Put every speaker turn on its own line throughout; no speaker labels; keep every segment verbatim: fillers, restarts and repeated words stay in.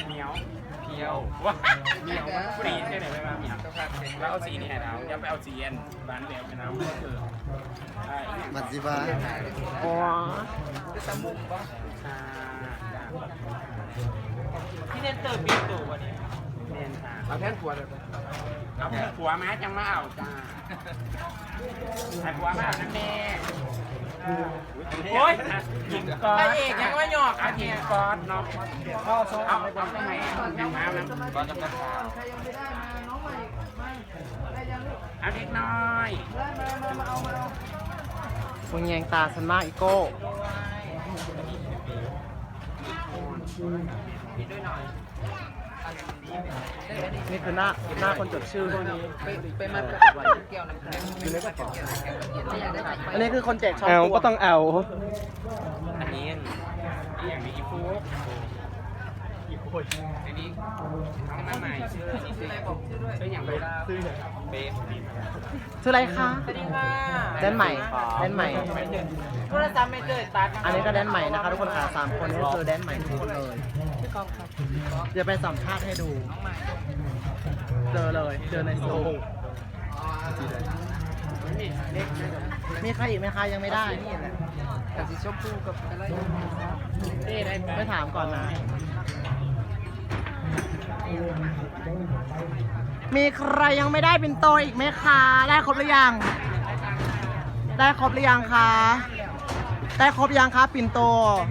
เหนียวเพียวว้าเหนียวฟรีใช่ไหมไม่มาเหนียวแล้วเอาสีนี่ให้เราอย่าไปเอาสีเอ็นร้านเดียวกันเอาเออใช่
มัดสิบ้า
อ๋อ
ตะมุกป่ะ
ที่เน้นเติมปีตู่วันนี้
เน้นค่ะ
เอาแท่นขวดเลย
เอาผัวมาจังมาเอาจ้าใส่ผัวมาเอานั่นแน่โอ้ยยิงก้อนเอกยังไม่หยอกอ่ะยิงก้อนเนาะเอาเอาเอาทำไมยังมาแล้วก้อนจะเป็นใครยังไม่ได้มาน้องใหม่มาได้ยังลูกเอาเล็กน้อยมามาเอามาเอา
มึงแยงตาฉันมากอีโก้นี่คือหน้าหน้าคนจดชื่อพวกนี้
ไปมากับไว้แก้วน้ำแข็งอยู่ในกระเป๋า
อันนี้คือคนแจกช้อน
ตัวก็ต้องเอา
อันนี้อย่างนี้อีฟูอีฟูอันนี้น้องมาใหม่ชื่อชื่ออะไรบอกชื่อด้วยชื่ออย่างไรชื่อเบฟ
ชื่ออะไรคะ
สวัสดีค่ะ
แดนใหม่แดนใหม่
โทรศัพท์ไม่เจอตัด
อันนี้ก็แดนใหม่นะคะทุกคนค่ะสามคนนี้ก็คือแดนใหม่ทุกคนเลย
ชื่อกองครับ
เดี๋ยวไปสัมภาษณ์ให้ดูเจอเลยเจอในโซนมีใครอีกไหมคะยังไม่ได้นี่แหละ
แต่สีชมพูกับอะไร
ไม่ถามก่อนนะมีใครยังไม่ได้ปิ่นโตอีกไหมคะได้ครบหรือยังได้ครบหรือยังคะได้ครบยังคะปิ่นโต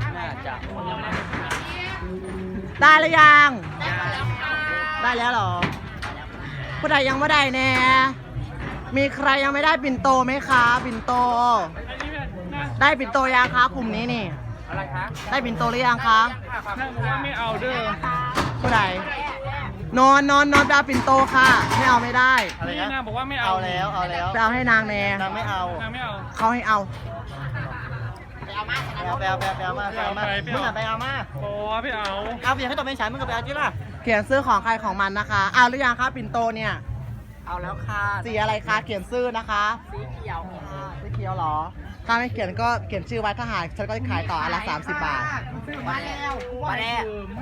ได้หรือยังได้แล้วเหรอผู้ใดยังไม่ได้แน่มีใครยังไม่ได้ปิ่นโตไหมคะปิ่นโตได้ปิ่นโตยังคะกลุ่มนี้นี่
อะไรคะ
ได้ปิ่นโตหรือยังคะ
นั่งบอกว่าไม่เอาเด้อ
ผู้ใดนอนนอนนอนไปเอาปิ่นโตค่ะไม่เอาไม่ได้
อะไรนะนางบอกว่าไม่เอา
เอาแล้วเอาแล้วไปเอาให้นางแน่
นางไม่เอา
นางไม่เอา
เขาให้เอา
ไปเอามาไปเอาไปเอาไปเอามาไปเอามามึงอ่ะไปเอามา
โอ้ไม่เอา
เอาเพียงให้ตัวเป็นฉันมึงก็ไปเอาจีล่ะ
เขียนซื้อของใครของมันนะคะเอาหรือยังคะปิ่นโตเนี่ย
เอาแล้วค่ะ
สีอะไรคะเขียนชื่อนะคะ
สีเขียว
ค่ะสีเขียวหรอถ้าไม่เขียนก็เขียนชื่อไว้ถ้าหายฉันก็จะขายต่ออันละสามสิบบาท
มาแล้วมาแล้ว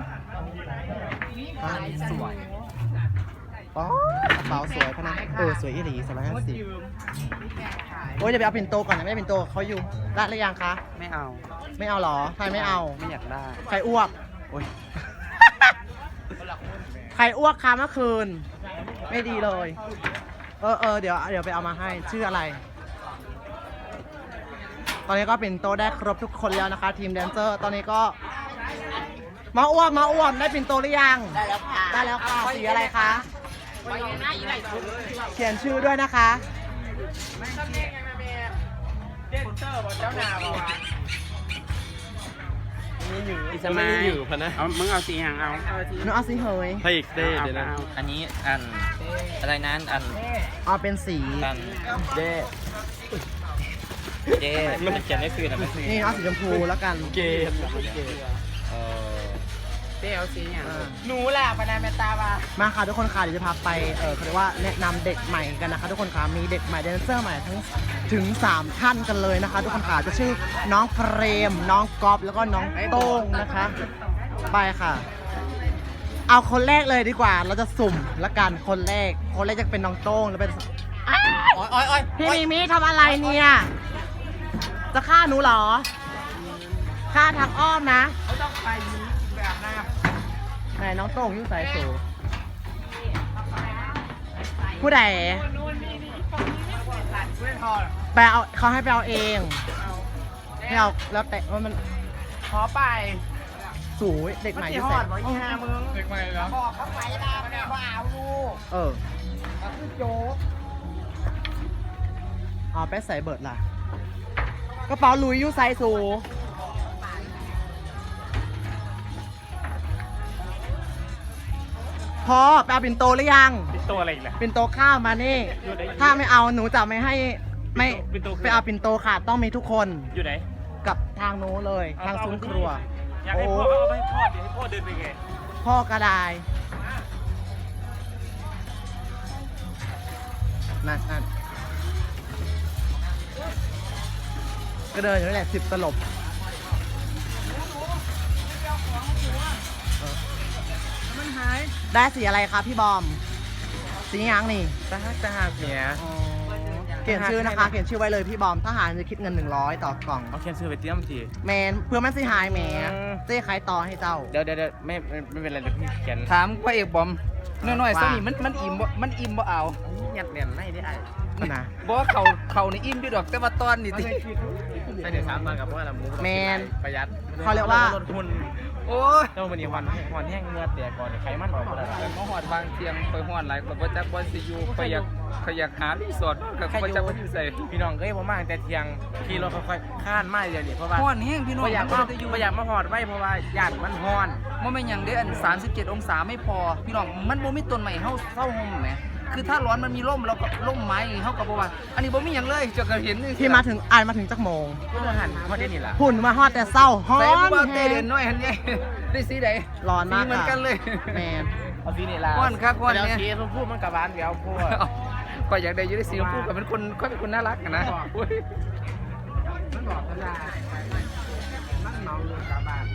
สวยอ๋อกระเป๋าสวยพนักเออสวยอีหลีสองร้อยห้าสิบโอ้ยเดี๋ยวไปเอาปิ่นโตก่อนนะไม่ได้ปิ่นโตเขาอยู่ได้หรือยังคะ
ไม่เอา
ไม่เอาหรอใครไม่เอา
ไม่อยากได้
ใครอ้วกโอ้ยใครอ้วกคะเมื่อคืนไม่ดีเลยเออเออเดี๋ยวเดี๋ยวไปเอามาให้ชื่ออะไรตอนนี้ก็ปิ่นโตได้ครบทุกคนแล้วนะคะทีมแดนเซอร์ตอนนี้ก็มาอ้วกมาอ้วกได้ปิ่นโตหรือยัง
ได้แล้วค่ะ
ได้แล้วค่ะสีอะไรคะเขียนชื่อด้วยนะคะ
เดนเซอร์บอกเจ้าหน้าบอก
นี่อยู่ไม่ได้อยู่พะนะ
เอามึงเอาสีหางเอา
หนูเอาสีเหย
ให้อีกเด้เดี๋ยวนะ
อันนี้อันอะไรนั้นอัน
เอาเป็นสี
อันเด้เด้มันเขียนได้คือนะ
นี่เอาสีชมพูแล้วกัน
เกด
เออเด้เอาสีอย่าง
หนูแหละพนันเมตตามา
มาค่ะทุกคนค่ะเดี๋ยวจะพาไปเออเขาเรียกว่าแนะนำเด็กใหม่กันนะคะทุกคนค่ะมีเด็กใหม่แดนเซอร์ใหม่ทั้งถึงสามท่านกันเลยนะคะทุกคนค่ะจะชื่อน้องเฟรมน้องก๊อฟแล้วก็น้องโต้งนะคะไปค่ะเอาคนแรกเลยดีกว่าเราจะสุ่มละกันคนแรกคนแรกจะเป็นน้องโต้งแล้วเป็นพี่มีมิทำอะไรเนี่ยจะฆ่าหนูเหรอฆ่าทางอ้อมนะ
เขาต้องไปยิ้มแบบหน้า
ไหนน้องโต้งยุ่งสายสูผู้ใดไปเอาเขาให้ไปเอาเองให้เอาแล้วแต่ว่ามัน
ขอไป
สูยเด็กใหม่ที่
แส
บ
อีห้ามึง
เด็กใหม่แล้ว
บอกเขาไปลาเนี่ยว่าเอาลูก
เออ
คือโจ๊ก
อ๋อไปใส่เบิร์ดล่ะกระเป๋าลุยยูไซสูพอไปเอาปิ่นโตหรือยัง
ปิ่นโตอะไรอีกล่ะ
ปิ่นโตข้าวมานี่ถ้าไม่เอาหนูจะไม่ให้ไม่ไปเอาปิ่นโตค่ะต้องมีทุกคน
อยู่ไหน
กับทางโน้นเลยทางซุ้มครัว
อยากให้พ่อเอาไปทอดเดี๋ยวให้พ่อเดินไปไง
พ่อกระไดนั่นนั่นก็เดินอยู่นี่แหละสิบตลบได้สีอะไรครับพี่บอม สียังนี่
ตาหักตาหักเมีย
เขียนชื่อนะคะ เขียนชื่อไว้เลยพี่บอมทหารจะคิดเงินหนึ่งร้อยต่อกล่อง
เอาเขียนชื่อไปเตรียมที
แมนเพื่อมันสิหายแหม
อืม
เจ๊ขายต่อให้เจ้า
เดี๋ยวเดี๋ยวเดี๋ยวไม่ไม่ไม่เป็นไรเดี๋ยวพี่เขียน
ถามพระเอกบอมน้อยๆซะนี่มันมันอิ่มบ่มันอิ่มบ่เอา
ยัดเนียนไม่ได้
นะ
บ่ว่าเขาเขาในอิ่มด้วยดอกแต่ว่าตอนนี่ติ
ใช่เดี๋ยวสามวันกับเพราะว่าเราหมู
แมน
ประหยัด
เขาเรียกว่า
ลดทุน
โอ้ย
เจ้ามันนี่วันวันแห้งเงือเตียก่อนไขมันออกหมดแล้ว
แต่มาหอดบางเทียงไปหอดหลายก็บ่จักบ่สิอยู่ไปอยากไปอยากหารีสอร์ทก็บ่จักว่าอยู่ไส
พี่น้องเอ้ยผมมาตั้งแต่เที่ยงขี่รถค่อยๆข้านมาเดี๋ยวนี้เพราะว่า
ฮ้อนแห้งพี่น้อง
ประหยัด
บ่
มา
ได้อยู่
ประหยัดมาหอดไว้เพราะว่าญาติมันฮ้อน
บ่แม่นหยังเด้ออันสามสิบเจ็ดองศาไม่พอพี่น้องมันบ่มีต้นไม้เฮาเซาห่มแหมคือถ้าร้อนมันมีร่มแล้วก็ร่มไม้เฮาก็บ่ว่าอันนี้บ่มีหยังเลยจะก็เห็นนี่
ที่มาถึงอ่านมาถึงจักโมง
ก็มาหันพอได้นี่ล่ะ
หุ่นมาฮอดแต่เศร้าฮ้อ
ใส่ผู้
น
บ่าวเต
แฮ
เด่น
ง
น้อยหันใหญ่ได้สีใด
ร้อนมาก
สีเหมือนกันเลย
แมน
เอาสีนี่ล่ะ
ฮ้อนคักฮ้อน
เดี๋ยว
เนี่ย
สีชมพูมันกับหวานเดี๋ยวพูด
ก็อยากได้อยู่ได้สีชมพูก็เป็นคนก็เป็นคนน่ารักอะนะอุ๊ย
มันบอกกันได้มันเมาเรื่องกาบ้าน